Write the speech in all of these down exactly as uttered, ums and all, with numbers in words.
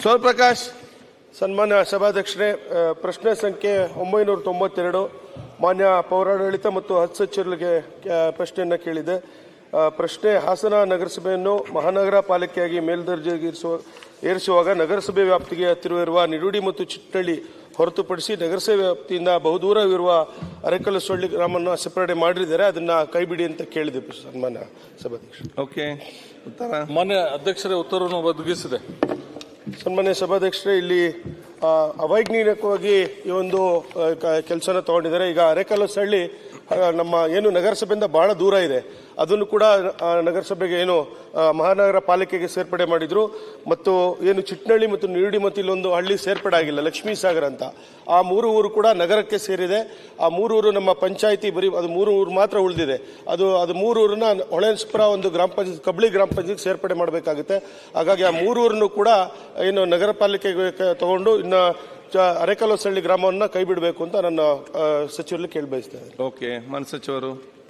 ಶಿವಪ್ರಕಾಶ್. ಸನ್ಮಾನ್ಯ ಸಭಾಧ್ಯಕ್ಷರೇ, ಪ್ರಶ್ನೆ ಸಂಖ್ಯೆ ಒಂಬೈನೂರ ತೊಂಬತ್ತೆರಡು ಮಾನ್ಯ ಪೌರಾಡಳಿತ ಮತ್ತು ಹಜ್ ಸಚಿವರಿಗೆ ಪ್ರಶ್ನೆಯನ್ನು ಕೇಳಿದೆ. ಪ್ರಶ್ನೆ: ಹಾಸನ ನಗರಸಭೆಯನ್ನು ಮಹಾನಗರ ಪಾಲಿಕೆಯಾಗಿ ಮೇಲ್ದರ್ಜೆಗೆ ಏರಿಸುವಾಗ ನಗರಸಭೆ ವ್ಯಾಪ್ತಿಗೆ ಹತ್ತಿರವಿರುವ ನಿಡುಡಿ ಮತ್ತು ಚಿಟ್ಟಳ್ಳಿ ಹೊರತುಪಡಿಸಿ ನಗರಸಭೆ ವ್ಯಾಪ್ತಿಯಿಂದ ಬಹುದೂರವಿರುವ ಅರೆಕಲ್ಲು ಸೊಳ್ಳಿ ಗ್ರಾಮವನ್ನು ಸೆಪರೇಟ್ ಮಾಡಿದ್ದಾರೆ, ಅದನ್ನ ಕೈಬಿಡಿ ಅಂತ ಕೇಳಿದೆ ಸನ್ಮಾನ್ಯ ಸಭಾಧ್ಯಕ್ಷರು. ಓಕೆ, ಉತ್ತರ. ಮಾನ್ಯ ಅಧ್ಯಕ್ಷರೇ ಉತ್ತರವನ್ನು ಒದಗಿಸಿದೆ. ಸನ್ಮಾನ್ಯ ಸಭಾಧ್ಯಕ್ಷರೇ, ಇಲ್ಲಿ ಅವೈಜ್ಞಾನಿಕವಾಗಿ ಈ ಒಂದು ಕೆಲಸನ ತಗೊಂಡಿದ್ದಾರೆ. ಈಗ ಅರೆಕಲ್ಲು ಸಳ್ಳಿ ನಮ್ಮ ಏನು ನಗರಸಭೆಯಿಂದ ಬಹಳ ದೂರ ಇದೆ, ಅದನ್ನು ಕೂಡ ನಗರಸಭೆಗೆ ಏನು ಮಹಾನಗರ ಪಾಲಿಕೆಗೆ ಸೇರ್ಪಡೆ ಮಾಡಿದ್ರು. ಮತ್ತು ಏನು ಚಿಟ್ನಳ್ಳಿ ಮತ್ತು ನಿರುಡಿ ಮತ್ತು ಇಲ್ಲೊಂದು ಹಳ್ಳಿ ಸೇರ್ಪಡೆ ಆಗಿಲ್ಲ, ಲಕ್ಷ್ಮೀ ಸಾಗರ ಅಂತ, ಆ ಮೂರು ಊರು ಕೂಡ ನಗರಕ್ಕೆ ಸೇರಿದೆ. ಆ ಮೂರು ಊರು ನಮ್ಮ ಪಂಚಾಯಿತಿ ಬರೀ ಅದು ಮೂರು ಊರು ಮಾತ್ರ ಉಳಿದಿದೆ. ಅದು ಅದು ಮೂರು ಊರನ್ನ ಹೊಳೆನರಸೀಪುರ ಒಂದು ಗ್ರಾಮ ಪಂಚಾಯತ್ ಕಬ್ಳಿ ಗ್ರಾಮ ಪಂಚಾಯತ್ ಸೇರ್ಪಡೆ ಮಾಡಬೇಕಾಗುತ್ತೆ. ಹಾಗಾಗಿ ಆ ಮೂರು ಊರನ್ನು ಕೂಡ ಏನು ನಗರ ಪಾಲಿಕೆಗೆ ತಗೊಂಡು ಇನ್ನು ಅರೆಕಲ್ಲು ಸಳ್ಳಿ ಗ್ರಾಮವನ್ನು ಕೈ ಬಿಡಬೇಕು ಅಂತ ನನ್ನ ಸಚಿವರಲ್ಲಿ ಕೇಳಿ ಬಯಸ್ತೇನೆ. ಓಕೆ, ಮಾನ್ಯ ಸಚಿವರು.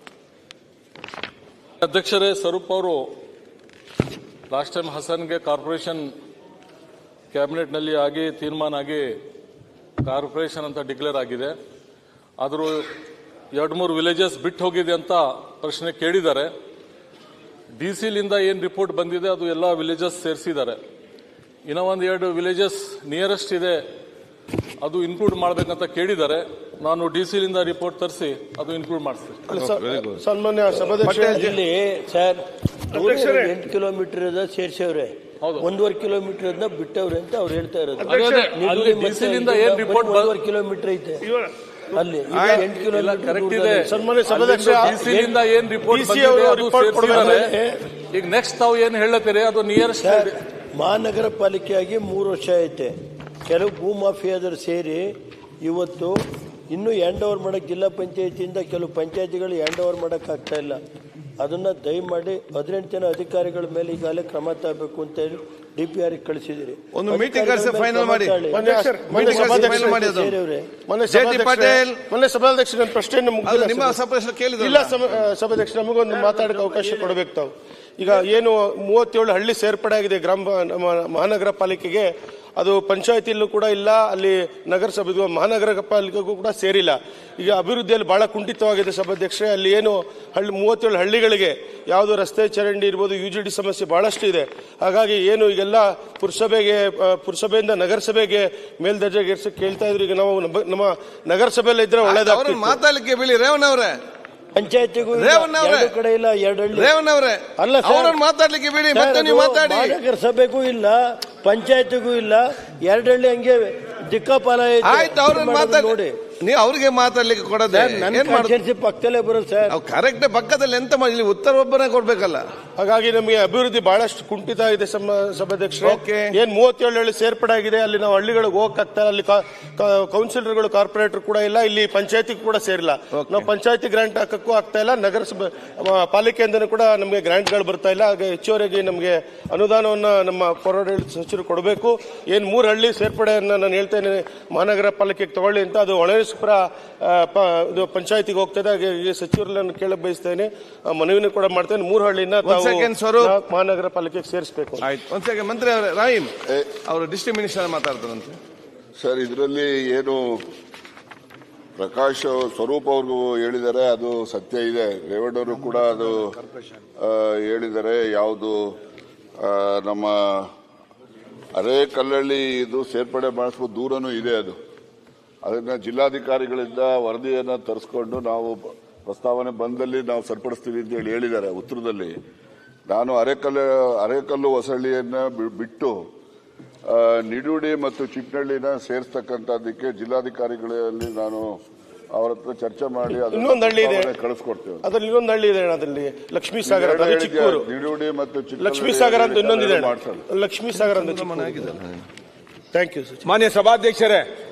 ಅಧ್ಯಕ್ಷರೇ, ಸ್ವರೂಪ್ ಅವರು ಲಾಸ್ಟ್ ಟೈಮ್ ಹಸನ್ಗೆ ಕಾರ್ಪೊರೇಷನ್ ಕ್ಯಾಬಿನೆಟ್ನಲ್ಲಿ ಆಗಿ ತೀರ್ಮಾನ ಆಗಿ ಕಾರ್ಪೊರೇಷನ್ ಅಂತ ಡಿಕ್ಲೇರ್ ಆಗಿದೆ. ಆದರೂ ಎರಡು ಮೂರು ವಿಲೇಜಸ್ ಬಿಟ್ಟು ಹೋಗಿದೆ ಅಂತ ಪ್ರಶ್ನೆ ಕೇಳಿದ್ದಾರೆ. ಡಿ ಸಿಲಿಂದ ಏನು ರಿಪೋರ್ಟ್ ಬಂದಿದೆ ಅದು ಎಲ್ಲ ವಿಲೇಜಸ್ ಸೇರಿಸಿದ್ದಾರೆ. ಇನ್ನೂ ಒಂದು ಎರಡು ವಿಲೇಜಸ್ ನಿಯರೆಸ್ಟ್ ಇದೆ, ಅದು ಇನ್ಕ್ಲೂಡ್ ಮಾಡಬೇಕಂತ ಕೇಳಿದ್ದಾರೆ. ನಾನು ಡಿ ಸಿಲಿಂದ ರಿಪೋರ್ಟ್ ತರಿಸಿ ಅದು ಇನ್ಕ್ಲೂಡ್ ಮಾಡಿಸ್ತೀನಿ. ಸನ್ಮಾನ್ಯ ಸಭಾಧ್ಯಕ್ಷರಲ್ಲಿ ಸರ್, ಎಂಟು ಕಿಲೋಮೀಟರ್ ಸೇರ್ಸವ್ರೆ, ಒಂದೂವರೆ ಕಿಲೋಮೀಟರ್ ಅದನ್ನ ಬಿಟ್ಟವ್ರೆ ಅಂತ ಅವ್ರು ಹೇಳ್ತಾ ಇರೋದು. ಒಂದೂವರೆ ಕಿಲೋಮೀಟರ್ ಐತೆ ಅಲ್ಲಿ, ಎಂಟು ಕಿಲೋಮೀಟರ್ ಕರೆಕ್ಟ್ ಇದೆ. ಸನ್ಮಾನ್ಯ ಸಭಾಧ್ಯಕ್ಷ, ಡಿಸಿಲಿಂದ ಏನ್ ರಿಪೋರ್ಟ್ ಬಂದಿದೆ ಈಗ ನೆಕ್ಸ್ಟ್ ತಾವು ಏನ್ ಹೇಳತ್ತೀರಿ ಅದು ನಿಯರೆಸ್ಟ್. ಮಹಾನಗರ ಪಾಲಿಕೆಯಾಗಿ ಮೂರು ವರ್ಷ ಐತೆ. ಕೆಲವು ಭೂ ಮಾಫಿಯಾದರು ಸೇರಿ ಇವತ್ತು ಇನ್ನೂ ಹ್ಯಾಂಡ್ ಓವರ್ ಮಾಡಕ್ಕೆ ಜಿಲ್ಲಾ ಪಂಚಾಯತಿಯಿಂದ ಕೆಲವು ಪಂಚಾಯತಿಗಳು ಹ್ಯಾಂಡ್ ಓವರ್ ಮಾಡಕ್ ಆಗ್ತಾ ಇಲ್ಲ. ಅದನ್ನ ದಯಮಾಡಿ ಹದಿನೆಂಟು ಜನ ಅಧಿಕಾರಿಗಳ ಮೇಲೆ ಈಗಾಗಲೇ ಕ್ರಮ ತಗಬೇಕು ಅಂತ ಹೇಳಿ ಡಿ ಪಿ ಆರ್ ಕಳಿಸಿದಿರಿ. ಒಂದು ಮೀಟಿಂಗ್ ಫೈನಲ್ ಮಾಡಿ. ಸಭಾಧ್ಯಕ್ಷ ಪ್ರಶ್ನೆಯನ್ನು ನಿಮ್ಮ ಇಲ್ಲ ಸಭಾಧ್ಯಕ್ಷ, ನಮಗೊಂದು ಮಾತಾಡಕ್ಕೆ ಅವಕಾಶ ಕೊಡಬೇಕು ತಾವು. ಈಗ ಏನು ಮೂವತ್ತೇಳು ಹಳ್ಳಿ ಸೇರ್ಪಡೆ ಆಗಿದೆ ಗ್ರಾಮ ಮಹಾನಗರ ಪಾಲಿಕೆಗೆ, ಅದು ಪಂಚಾಯತಿಯಲ್ಲೂ ಕೂಡ ಇಲ್ಲ, ಅಲ್ಲಿ ನಗರಸಭೆ ಮಹಾನಗರ ಪಾಲಿಕೆಗೂ ಕೂಡ ಸೇರಿಲ್ಲ. ಈಗ ಅಭಿವೃದ್ಧಿಯಲ್ಲಿ ಬಹಳ ಕುಂಠಿತವಾಗಿದೆ ಸಭಾಧ್ಯಕ್ಷರೇ. ಅಲ್ಲಿ ಏನು ಹಳ್ಳಿ ಮೂವತ್ತೇಳು ಹಳ್ಳಿಗಳಿಗೆ ಯಾವುದು ರಸ್ತೆ ಚರಂಡಿ ಇರ್ಬೋದು, ಯು ಜಿ ಡಿ ಸಮಸ್ಯೆ ಬಹಳಷ್ಟು ಇದೆ. ಹಾಗಾಗಿ ಏನು ಈಗೆಲ್ಲ ಪುರಸಭೆಗೆ ಪುರಸಭೆಯಿಂದ ನಗರಸಭೆಗೆ ಮೇಲ್ದರ್ಜೆಗೆ ಏರ್ಸಕ್ಕೆ ಕೇಳ್ತಾ ಇದ್ರು. ಈಗ ನಾವು ನಮ್ಮ ನಗರಸಭೆಯಲ್ಲಿ ಇದ್ರೆ ಒಳ್ಳೇದಾಗ್ತದೆ. ಮಾತಾಡ್ಲಿಕ್ಕೆ ಬಿಳಿ ರೇವಣ್ಣ ಅವರೇ, ಪಂಚಾಯತಿಗೂ ಕಡೆ ಇಲ್ಲ, ಎರಡು ಹಳ್ಳಿ ರೇವಣ್ಣ ಅವರೇ ಅಲ್ಲ ಸರ್, ಮಾತಾಡ್ಲಿಕ್ಕೆ ಬಿಡಿ, ಮತ್ತೆ ನೀವು ಮಾತಾಡಿ. ನಗರಸಭೆಗೂ ಇಲ್ಲ, ಪಂಚಾಯತಿಗೂ ಇಲ್ಲ, ಎರಡು ಹಳ್ಳಿ ಹಂಗೆ ದಿಕ್ಕಾಪಾಲ ಆಯ್ತು. ಅವ್ರನ್ನ ಮಾತಾಡಿ ನೋಡಿ, ನೀವು ಅವ್ರಿಗೆ ಮಾತಾಡ್ಲಿಕ್ಕೆ ಕೊಡೋದೇ ಪಕ್ಕದಲ್ಲೇ ಬರೋದು ಸರ್. ಕರೆಕ್ಟ್ ಪಕ್ಕದಲ್ಲಿ ಎಂತ ಮಾಡಿ, ಉತ್ತರ ಒಬ್ಬರೇ ಕೊಡ್ಬೇಕಲ್ಲ. ಹಾಗಾಗಿ ನಮಗೆ ಅಭಿವೃದ್ಧಿ ಬಹಳಷ್ಟು ಕುಂಠಿತ ಇದೆ ಸಭಾಧ್ಯಕ್ಷರು. ಏನ್ ಮೂವತ್ತೇಳು ಹಳ್ಳಿ ಸೇರ್ಪಡೆ ಆಗಿದೆ, ಅಲ್ಲಿ ನಾವು ಹಳ್ಳಿಗಳಿಗೆ ಹೋಗಕ್ಕಾಗ್ತಾ, ಅಲ್ಲಿ ಕೌನ್ಸಿಲರ್ಗಳು ಕಾರ್ಪೊರೇಟರ್ ಕೂಡ ಇಲ್ಲ, ಇಲ್ಲಿ ಪಂಚಾಯತಿ ಕೂಡ ಸೇರಿಲ್ಲ. ನಾವು ಪಂಚಾಯತಿ ಗ್ರಾಂಟ್ ಹಾಕಕ್ಕೂ ಆಗ್ತಾ ಇಲ್ಲ, ನಗರಸಭೆ ಪಾಲಿಕೆಯಿಂದನೂ ಕೂಡ ನಮಗೆ ಗ್ರಾಂಟ್ ಗಳು ಬರ್ತಾ ಇಲ್ಲ. ಹಾಗೆ ಹೆಚ್ಚುವರೆಗೆ ನಮಗೆ ಅನುದಾನವನ್ನ ನಮ್ಮ ಪೌರಾಡಳಿತ ಸಚಿವರು ಕೊಡಬೇಕು. ಏನ್ ಮೂರು ಹಳ್ಳಿ ಸೇರ್ಪಡೆಯನ್ನ ನಾನು ಹೇಳ್ತೇನೆ ಮಹಾನಗರ ಪಾಲಿಕೆಗೆ ತಗೊಳ್ಳಿ ಅಂತ, ಅದು ಹೊಳೆನರಸೀಪುರ ಪಂಚಾಯತಿಗೆ ಹೋಗ್ತದೆ. ಹಾಗೆ ಸಚಿವರನ್ನು ಕೇಳಕ್ ಬಯಸ್ತೇನೆ, ಮನವಿನ ಕೂಡ ಮಾಡ್ತೇನೆ, ಮೂರು ಹಳ್ಳಿನ ಮಹಾನಗರ ಪಾಲಿಕೆಗೆ ಸೇರಿಸಬೇಕು. ಒಂದ್ ಸೆಕೆಂಡ್ ಮಂತ್ರಿ ಅವರೇ, ರಾಹಿಂ ಅವರು ಡಿಸ್ಟ್ರಿಕ್ಟ್ ಮಿನಿಸ್ಟರ್ ಮಾತಾಡ್ತಾರಂತೆ ಸರ್. ಇದರಲ್ಲಿ ಏನು ಪ್ರಕಾಶ್ ಸ್ವರೂಪ್ ಅವ್ರಿಗೂ ಹೇಳಿದ್ದಾರೆ, ಅದು ಸತ್ಯ ಇದೆ. ರೇವಣ್ಣವರು ಕೂಡ ಅದು ಹೇಳಿದ್ದಾರೆ. ಯಾವುದು ನಮ್ಮ ಅರೇಕಲ್ಲಹಳ್ಳಿ ಇದು ಸೇರ್ಪಡೆ ಮಾಡಿಸುವ ದೂರನೂ ಇದೆ. ಅದು ಅದನ್ನ ಜಿಲ್ಲಾಧಿಕಾರಿಗಳಿಂದ ವರದಿಯನ್ನು ತರಿಸ್ಕೊಂಡು ನಾವು ಪ್ರಸ್ತಾವನೆ ಬಂದಲ್ಲಿ ನಾವು ಸರಿಪಡಿಸ್ತೀವಿ ಅಂತ ಹೇಳಿ ಹೇಳಿದ್ದಾರೆ ಉತ್ತರದಲ್ಲಿ. ನಾನು ಅರೆಕಲ್ಲು ಅರೆಕಲ್ಲು ಹೊಸಳ್ಳಿಯನ್ನ ಬಿಟ್ಟು ನಿಡುಡಿ ಮತ್ತು ಚಿಕ್ಕನಹಳ್ಳಿನ ಸೇರಿಸ್ತಕ್ಕಂಥದ್ದಕ್ಕೆ ಜಿಲ್ಲಾಧಿಕಾರಿಗಳಲ್ಲಿ ನಾನು ಅವರ ಹತ್ರ ಚರ್ಚೆ ಮಾಡಿ ಇನ್ನೊಂದು ಹಳ್ಳಿ ಇದೆ ಕಳಿಸ್ಕೊಡ್ತೇವೆ. ಅದ್ರಲ್ಲಿ ಇನ್ನೊಂದು ಹಳ್ಳಿ ಇದೆ, ಅದರಲ್ಲಿ ಲಕ್ಷ್ಮೀ ಸಾಗರ, ನಿಡುಡಿ ಮತ್ತು ಲಕ್ಷ್ಮೀ ಸಾಗರ ಅಂತ ಇನ್ನೊಂದಿದೆ, ಲಕ್ಷ್ಮೀ ಸಾಗರ ಅಂತ. Thank you. ಮಾನ್ಯ ಸಭಾಧ್ಯಕ್ಷರೇ,